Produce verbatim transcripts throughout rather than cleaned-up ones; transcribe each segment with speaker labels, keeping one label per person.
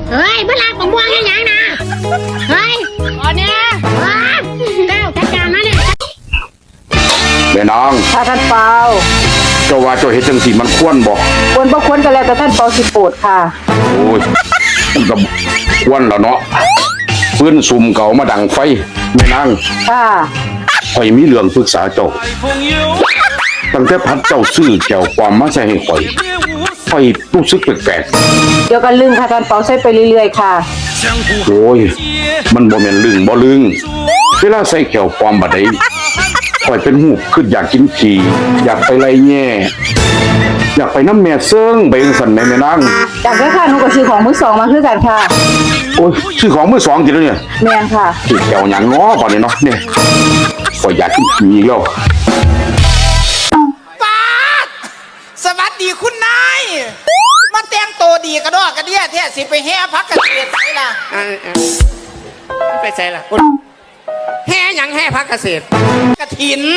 Speaker 1: เฮ้ยเมื่อไรผมม่วงยังยังนะเฮ้ยตอนเนี้ยเก้าจัดการนะเนี่ย
Speaker 2: แม่นาง
Speaker 3: ถ้าท่านเปา
Speaker 2: เจ้าว่าเจ้าเฮ็ดจังซี่มันควรบ่
Speaker 3: ควรบ่ควรก็แล้วแต่ท่านเปาสิโปรดค่ะ
Speaker 2: โอ้ยมันก็ควรแล้วเนาะปืนซุ่มเก่ามาดังไฟแม่นาง
Speaker 3: ค่ะ
Speaker 2: ข่อยมีเรื่องปรึกษาเจ้าตั้งแต่พัดเจ้าซื้อแก้วความมาใส่ให้ข่อยข่อยรู้สึกแปลก
Speaker 3: ๆเดี๋ยวกันลึงค่ะท่านเปาใส่ไปเรื่อยๆค่ะ
Speaker 2: โอ้ยมันบ่แม่นลึงบ่ลึงเวลาใส่แก้วความบัดใดข่อยเป็นหูคืออยากกินขี้อยากไปไล่แง่อยากไปน้ำแม่เซิงไปจังซั่นแม่แม่นาง
Speaker 3: จากนั้นค่ะหนูก็ซื้อของมือสองมาคือกันค่ะ
Speaker 2: โอ้ยซื้อของมือสองกินแล้วเนี่ย
Speaker 3: แม่นค่ะ
Speaker 2: สิแก้วหยังง้อก่อนนี่เนาะเนี่ยข่อยอยากกินขี้อีกแล้ว
Speaker 4: ป้าสวัสดีคุณนายมาแต่งตัวดีกระดอกกระเดี้ยแท้สิไปแห่พักกระเทียมไปล่ะ
Speaker 5: ไปใส่ล่ะแห่ยังแห่พักเกษตร
Speaker 4: กระถิน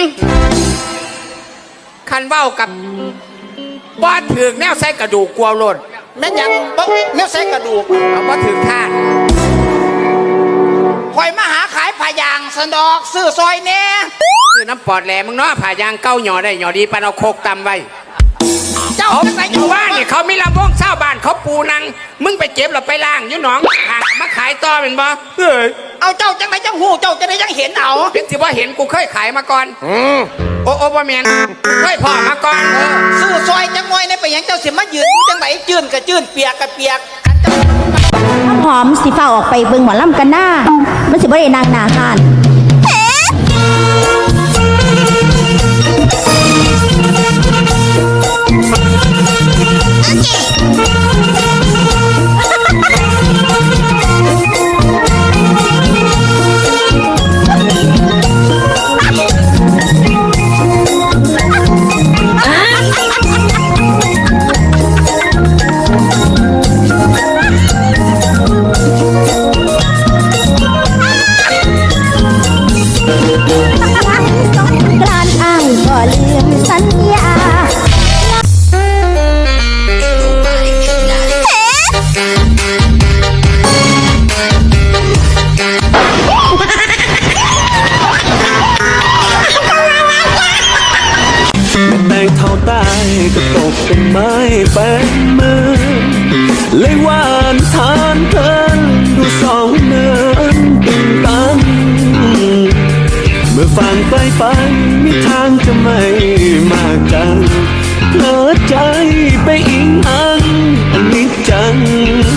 Speaker 5: คันเบ้ากับบ้านถึงแนวใส่กระดูกกลัวหล่น
Speaker 4: แม่ยังบ๊แนวใส่กระดูก
Speaker 5: เอาบ้านถึงท่าน
Speaker 4: คอยมาหาขายผ้ายางสันดอกซื้อซอยแน่
Speaker 5: ซื้อน้ำปอดแหลมึงเนาะผ่ายางเก้าหย่อได้หย่อดีปานเอาโคกตำไว้
Speaker 4: เจ้า
Speaker 5: จังไหนอยู่ว่านี่เขามีลำวงเช่าบ้านเขาปูนังมึงไปเก็บหรอไปล่างยุ่หนองห่างมาขายต่อเป็นบ่เฮ้ย
Speaker 4: เอาเจ้าจังไหนจังหูเจ้าจะได้ยังเห็นเอา
Speaker 5: เป็นสิว่าเห็นกูเคยขายมาก่อนโอ้โอ้บ่แม่นเคยพ่อมาก่อน
Speaker 4: ซื้อซอยจังมวยในไปยังเจ้าสิมายืนจังไหนจื้นกับจื้นเปียกกับเปียก
Speaker 1: น้ำหอมสิฟ้าออกไปเบิ่งหมอลำกันหน้ามันสิบ่ได้นางนาคาน
Speaker 6: ก็ตกเป็นไม้เป็นมือเลยหวานทานเพลินดูสองเนินตึงตันเมื่อฟังไปไปมีทางจะไม่มากันเพลิดใจไปอิงอา